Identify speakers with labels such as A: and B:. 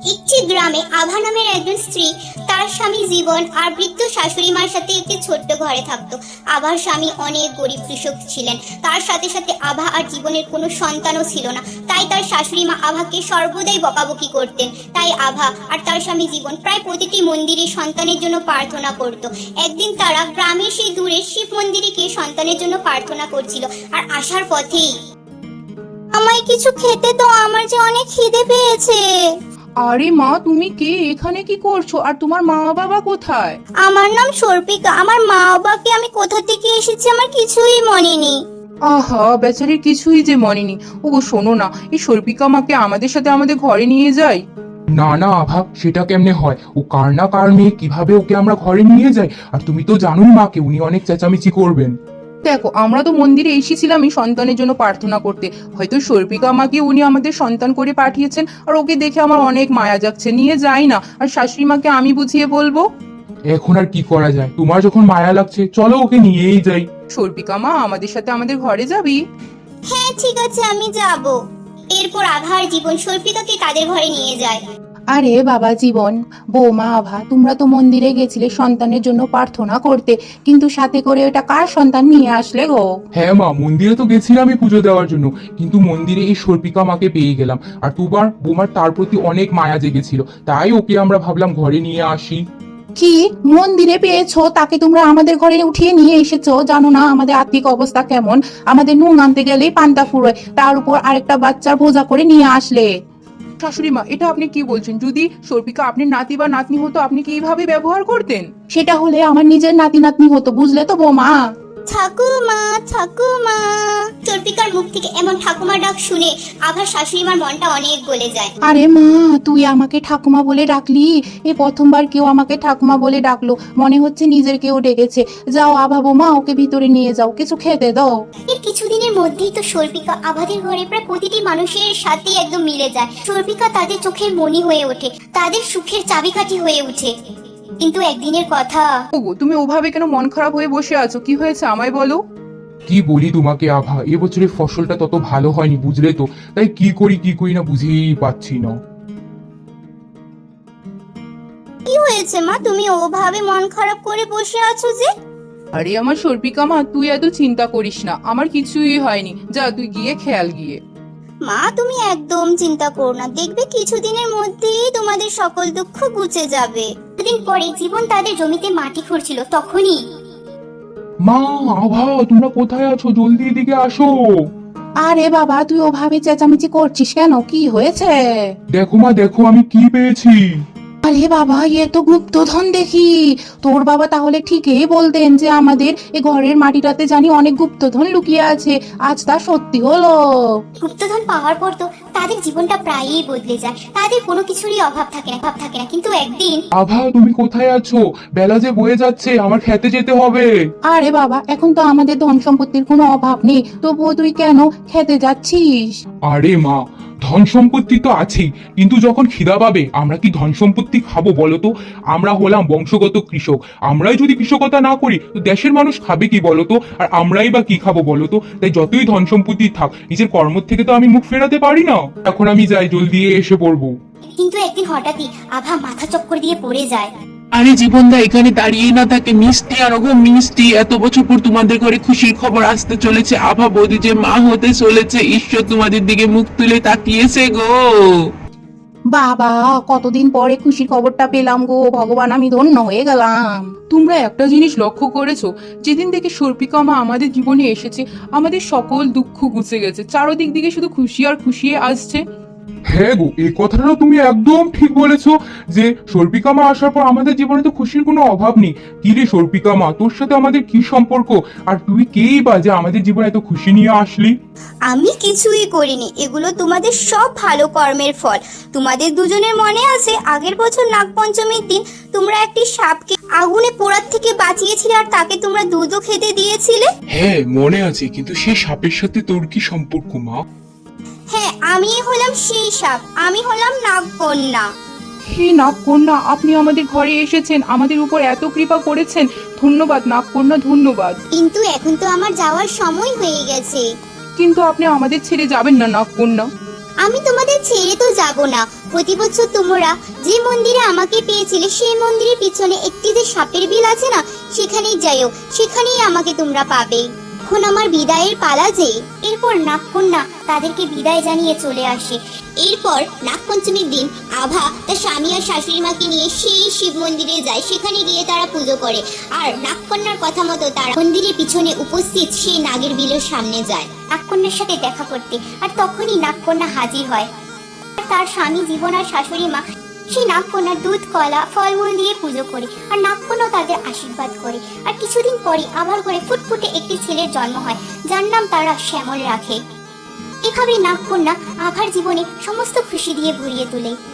A: একটি গ্রামে আভা নামের একজন স্ত্রী, তার স্বামী জীবন আর বৃদ্ধ শাশুড়ি মার সাথে একটি ছোট্ট ঘরে থাকতো। আভার স্বামী অনেক গরিব কৃষক ছিলেন। তার সাথে সাথে আভা আর জীবনের কোনো সন্তানও ছিল না, তাই তার শাশুড়ি মা আভাকে সর্বদাই বকাবকি করতেন। তাই আভা আর তার স্বামী জীবন প্রায় প্রতিটি মন্দিরে সন্তানের জন্য প্রার্থনা করত। একদিন তারা গ্রামের সেই দূরের শিব মন্দিরে গিয়ে সন্তানের জন্য প্রার্থনা করছিল, আর আসার পথেই, আমায় কিছু খেতে দাও, আমার যে অনেক খিদে পেয়েছে।
B: আরে মা, তুমি কে? এখানে কি করছো? আর তোমার মা বাবা কোথায়?
A: আমার নাম সর্পিকা। আমার মা বাবাকে আমি কোথা থেকে এসেছি আমার কিছুই মনে নেই।
B: আহা, বেচারির কিছুই যে মনে নেই। ও শোনো না, এই সর্পিকা মাকে আমাদের সাথে আমাদের ঘরে নিয়ে যাই।
C: না না আভা, সেটা কেমনে হয়? ও কার না কার মেয়ে, কিভাবে ওকে আমরা ঘরে নিয়ে যাই? আর তুমি তো জানোই মাকে, উনি অনেক চেঁচামেচি করবেন।
B: দেখো, আমরা তো মন্দিরে এসেছিলাম এই সন্তানের জন্য প্রার্থনা করতে। হয়তো সর্পিকা মাকে উনি আমাদের সন্তান করে পাঠিয়েছেন, আর ওকে দেখে আমার অনেক মায়া যাচ্ছে, নিয়ে যাই না। আর শাশুড়ি মাকে আমি বুঝিয়ে বলবো।
C: এখন আর কি করা যায়? তোমার যখন মায়া লাগছে, চলো ওকে নিয়েই যাই।
B: সর্পিকা মা, আমাদের সাথে আমাদের ঘরে যাবি?
A: হ্যাঁ ঠিক আছে, আমি যাব। এরপর আভা আর জীবন সর্পিকাকে তাদের ঘরে নিয়ে যায়।
B: আরে বাবা জীবন, বৌমা আভা, তোমরা তো মন্দিরে গেছিলে সন্তানের জন্য প্রার্থনা করতে, কিন্তু সাথে করে ওটা কার সন্তান নিয়ে আসলে গো?
C: হ্যাঁ মা, মন্দিরে তো গেছিলাম আমি পুজো দেওয়ার জন্য, কিন্তু মন্দিরে এই সর্পিকা মাকে পেয়ে গেলাম। আর তোমার বোমার তার প্রতি অনেক মায়া জেগেছিল, তাই ওকে আমরা ভাবলাম ঘরে নিয়ে আসি।
B: কি মন্দিরে পেয়েছো? তাকে তোমরা আমাদের ঘরে উঠিয়ে নিয়ে এসেছো? জানো না আমাদের আর্থিক অবস্থা কেমন? আমাদের নুন আনতে গেলেই পান্তা ফুরোয়, তার উপর আরেকটা বাচ্চার বোঝা করে নিয়ে আসলে। শাশুড়ি মা, এটা আপনি কি বলছেন? যদি সর্পিকা আপনি নাতি বা নাতনি হতো, আপনি কি এইভাবে ব্যবহার করতেন? সেটা হলে আমার নিজের নাতি নাতনি হতো, বুঝলে তো বৌমা?
A: ঠাকুমা, ঠাকুমা। সর্পিকার মুখ থেকে এমন ঠাকুমা ডাক শুনে আভার শাশুড়ি মার মনটা অনেক গলে যায়।
B: আরে মা, তুই আমাকে ঠাকুমা বলে ডাকলি? এ প্রথমবার কেউ আমাকে ঠাকুমা বলে ডাকলো, মনে হচ্ছে নিজের কেউ ডেকেছে। যাও আভা বৌমা, ওকে ভিতরে নিয়ে যাও, কিছু খেতে দাও।
A: এর কিছুদিনের মধ্যেই তো সর্পিকা আভাদের ঘরে প্রায় প্রতিটি মানুষের সাথে একদম মিলে যায়। সর্পিকা তাদের চোখের মণি হয়ে ওঠে, তাদের সুখের চাবিকাঠি হয়ে ওঠে। কিন্তু একদিনের কথা,
B: ওগো, তুমি ওভাবে কেন মন খারাপ হয়ে বসে আছো? কি হয়েছে আমায় বলো।
C: কি বলি তোমাকে আভা, এবছরের ফসলটা তত ভালো হয়নি, বুঝলে তো? তাই কি করি না বুঝেই পাচ্ছি না।
A: কি হয়েছে মা, তুমি ওভাবে মন খারাপ করে বসে আছো যে?
B: আরে আমার সর্পিকা মা, তুই এত চিন্তা করিস না, আমার কিছুই হয়নি। যা তুই গিয়ে খেয়াল গিয়ে।
A: মা তুমি একদম চিন্তা করো না, দেখবে কিছুদিনের মধ্যেই তোমাদের সকল দুঃখ ঘুচে যাবে। কিছুদিন পরে জীবন তাদের জমিতে মাটি খুঁড়ছিল, তখনই
C: মা, আভা, তোমরা কোথায় আছো? জলদি এদিকে আসো।
B: আরে বাবা, তুই ওভাবে চেঁচামেচি করছিস কেন? কি হয়েছে?
C: দেখো মা, দেখো আমি কি পেয়েছি।
B: আরে বাবা, এ তো গুপ্তধন দেখি। তোর বাবা তাহলে ঠিকই বলতেন যে আমাদের এ ঘরের মাটিটাতে জানি অনেক গুপ্তধন লুকিয়ে আছে। আজ তা সত্যি হলো।
A: গুপ্তধন পাওয়ার পর তো তাদের জীবনটা প্রায়ই বদলে যায়, তাদের কোনো কিছুরই অভাব থাকে না। কিন্তু একদিন,
C: আভা, তুমি কোথায় আছো? বেলা যে বয়ে যাচ্ছে, আমার খেতে যেতে হবে।
B: আরে বাবা, এখন তো আমাদের ধন সম্পত্তির কোনো অভাব নেই, তবুও তুই কেন খেতে যাচ্ছিস?
C: আরে মা, ধন সম্পত্তি তো আছেই, কিন্তু যখন খিদা পাবে আমরা কি ধন সম্পত্তি খাবো বলো তো? আমরা হলাম বংশগত কৃষক, আমরাই যদি কৃষকতা না করি তো দেশের মানুষ খাবে কি বলো তো? আর আমরাই বা কি খাবো বলো তো? তাই যতই ধন সম্পত্তি থাক, নিজের কর্ম থেকে তো আমি মুখ ফেরাতে পারি না। এখন আমি যাই, জলদি এসে পড়বো।
A: কিন্তু একদিন হঠাৎই আভা মাথা চক্কর দিয়ে পড়ে যায়।
D: আরে জীবনদা এখানে দাঁড়িয়ে না থাকে মিষ্টি আর ওগো মিষ্টি, এত বছর পর তোমাদের ঘরে খুশির খবর আসতে চলেছে। আভা বৌদি যে মা হতে চলেছে, ঈশ্বর তোমাদের দিকে মুখ তুলে তাকিয়েছে গো।
B: বাবা, কতদিন পরে খুশির খবরটা পেলাম গো, ভগবান আমি ধন্য হয়ে গেলাম। তোমরা একটা জিনিস লক্ষ্য করেছো? যেদিন থেকে সর্পিকা মা আমাদের জীবনে এসেছে, আমাদের সকল দুঃখ ঘুচে গেছে। চারদিক দিকে শুধু খুশি আর খুশি আসছে।
C: হ্যাঁ গো, এই কথাটা তুমি একদম ঠিক বলেছো যে সর্পিকা মা আসার পর আমাদের জীবনে তো খুশির কোনো অভাব নেই। কি রে সর্পিকা মা, তোর সাথে আমাদের কি সম্পর্ক? আর তুই কেই বা যে আমাদের জীবনে এত খুশি নিয়ে আসলি?
A: আমি কিছুই করিনি, এগুলো তোমাদের সব ভালো কর্মের ফল। তোমাদের দুজনের মনে আছে আগের বছর নাগপঞ্চমীর দিন তোমরা একটি সাপকে আগুনে পোড়ার থেকে বাঁচিয়েছিলে, আর তাকে তোমরা দুধও খেতে দিয়েছিলে।
D: হ্যাঁ মনে আছে, কিন্তু সেই সাপের সাথে তোর কি সম্পর্ক মা?
A: হ্যাঁ, আমি হলাম সেই সাপ, আমি হলাম নাগকন্যা।
B: হে নাগকন্যা, আপনি আমাদের ঘরে এসেছেন, আমাদের উপর এত কৃপা করেছেন। ধন্যবাদ নাগকন্যা, ধন্যবাদ।
A: কিন্তু এখন তো আমার যাওয়ার সময় হয়ে গেছে।
B: কিন্তু আপনি আমাদের ছেড়ে যাবেন না নাগকন্যা।
A: আমি তোমাদের ছেড়ে তো যাব না, প্রতি বছর তোমরা যে মন্দিরে আমাকে পেয়েছিলে সেই মন্দিরের পিছনে একটি যে সাপের বিল আছে না, সেখানেই যাইও, সেখানেই আমাকে তোমরা পাবে। এখন আমার বিদায়ের পালা যে। এরপর নাগকন্যা তাদেরকে বিদায় জানিয়ে চলে আসে। এরপর নাগপঞ্চমীর দিন আভা তার স্বামী আর শাশুড়ি মাকে নিয়ে সেই শিব মন্দিরে যায়। সেখানে গিয়ে তারা পুজো করে আর নাগকন্যার কথা মতো তারা মন্দিরের পিছনে উপস্থিত সেই নাগের বিলের সামনে যায় নাগকন্যার সাথে দেখা করতে। আর তখনই নাগকন্যা হাজির হয়। আর তার স্বামী জীবন আর শাশুড়ি মা সেই নাগকন্যার দুধ কলা ফলমূল দিয়ে পুজো করে আর নাগকন্যা তাদের আশীর্বাদ করে। আর কিছুদিন পরে আবার করে ফুটফুটে একটি ছেলের জন্ম হয়, যার নাম তারা শ্যামল রাখে। এভাবে নাগকন্যা আভার জীবনে সমস্ত খুশি দিয়ে ভরিয়ে তোলে।